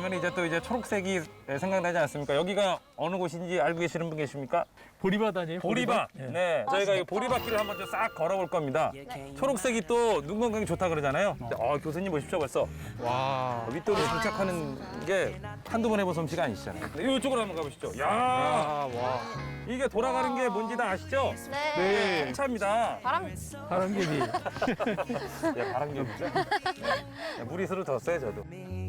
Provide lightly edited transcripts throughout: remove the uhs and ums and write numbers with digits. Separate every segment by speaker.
Speaker 1: 하면 이제 또 이제 초록색이 생각나지 않습니까? 여기가 어느 곳인지 알고 계시는 분 계십니까?
Speaker 2: 보리밭 아니에요?
Speaker 1: 보리밭.
Speaker 2: 예.
Speaker 1: 네, 저희가 이 보리밭길을 한번 좀 싹 걸어볼 겁니다. 초록색이 또 눈 건강에 좋다 그러잖아요. 교수님 보십시오 벌써.
Speaker 3: 와.
Speaker 1: 윗도로 정착하는 게 한두 번 해본 솜씨가 아니시잖아요. 이쪽으로 한번 가보시죠. 야,
Speaker 3: 와.
Speaker 1: 이게 돌아가는 게 뭔지 다 아시죠?
Speaker 4: 네.
Speaker 1: 네, 차입니다.
Speaker 2: 바람개비.
Speaker 1: 예, 바람개비죠. 네, 무리수를 뒀어요, 저도.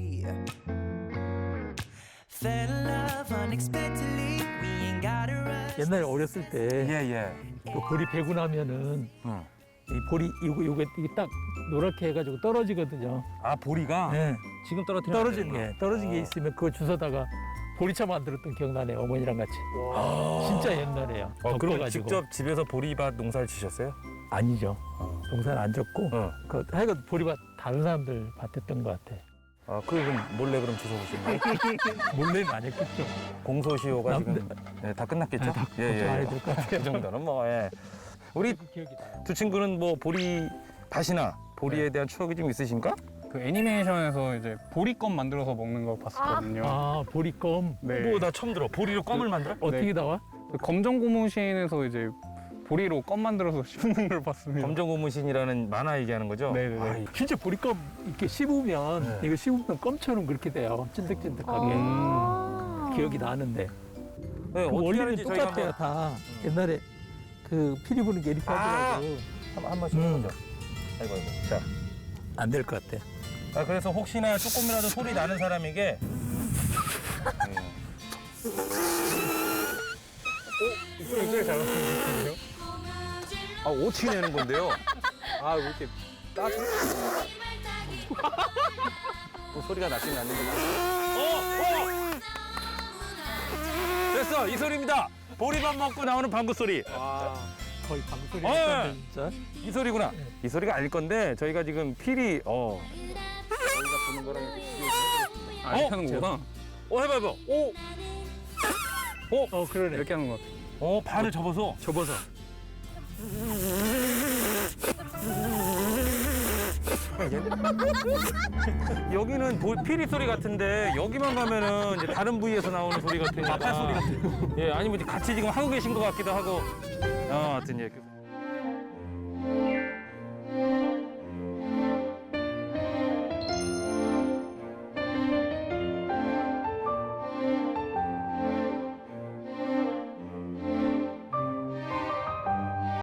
Speaker 5: Fell in love unexpectedly. We ain't got a rush.
Speaker 2: 옛날에 어렸을 때
Speaker 1: 예, 예.
Speaker 2: 그 보리 베고 나면은
Speaker 1: 응.
Speaker 2: 이 보리 이게 딱 노랗게 해가지고 떨어지거든요.
Speaker 1: 아, 보리가
Speaker 2: 네.
Speaker 1: 지금 떨어뜨리면
Speaker 2: 떨어진 게 있으면 그거 주워다가 보리차 만들었던 기억나네요. 어머니랑 같이. 진짜 옛날에요.
Speaker 1: 그럼
Speaker 2: 덮어가지고.
Speaker 1: 직접 집에서 보리밭 농사를 지셨어요?
Speaker 2: 아니죠. 동산 안 졌고
Speaker 1: 어.
Speaker 2: 그 하여간 보리밭 다른 사람들 밭했던 것 같아.
Speaker 1: 그럼 몰래 그럼 주워보신 거예요?
Speaker 2: 몰래는 안 했겠죠.
Speaker 1: 공소시효가 지금
Speaker 2: 남들-
Speaker 1: 네, 다 끝났겠죠?
Speaker 2: 걱정 안 해도 될것 같아요.
Speaker 1: 그 정도는 뭐, 예. 우리
Speaker 2: 기억이 나요.
Speaker 1: 두 친구는 뭐 보리밭이나 보리에 대한 추억이 좀 있으신가?
Speaker 3: 그 애니메이션에서 이제 보리껌 만들어서 먹는 거 봤었거든요.
Speaker 2: 아 보리껌
Speaker 3: 네.
Speaker 1: 뭐 나 처음 들어. 보리로 껌을 만들어?
Speaker 2: 어떻게
Speaker 3: 네.
Speaker 2: 나와?
Speaker 3: 그 검정 고무신에서 이제 보리로 껌 만들어서 씹는 걸 봤습니다.
Speaker 1: 검정고무신이라는 만화 얘기하는 거죠?
Speaker 3: 네네네.
Speaker 1: 아이,
Speaker 2: 진짜 보리껌 이렇게 씹으면
Speaker 1: 네.
Speaker 2: 이거 씹으면 껌처럼 그렇게 돼요. 찐득찐득하게. 기억이 나는데.
Speaker 1: 네,
Speaker 2: 그
Speaker 1: 어떻게
Speaker 2: 원리는
Speaker 1: 하는지 저희가
Speaker 2: 똑같아요.
Speaker 1: 한번
Speaker 2: 다 옛날에 그 피리 부는 게 이렇게 하더라고.
Speaker 1: 한 번씩 해보죠. 아이고. 자,
Speaker 2: 안 될 것 같아.
Speaker 1: 그래서 혹시나 조금이라도 소리 나는 사람에게 이쪽에 잘 나오는데요? 어떻게 내는 건데요?
Speaker 3: 왜 이렇게 따뜻?
Speaker 1: 또 소리가 났긴 났는데. 됐어, 이 소리입니다. 보리밥 먹고 나오는 방구 소리.
Speaker 2: 거의 방소리
Speaker 1: 어,
Speaker 2: 했던데 진짜.
Speaker 1: 이 소리구나. 이 소리가 아닐 건데 저희가 지금 필이
Speaker 3: 이렇게 하는 거구나.
Speaker 1: 해봐.
Speaker 2: 그러네.
Speaker 3: 이렇게 하는 거 같아.
Speaker 1: 발을 접어서. 여기는 피리 소리 같은데 여기만 가면은 이제 다른 부위에서 나오는 소리 같으니까. 마파 소리 같아요. 예, 아니면 이제 같이 지금 하고 계신 것 같기도 하고. 하여튼 예.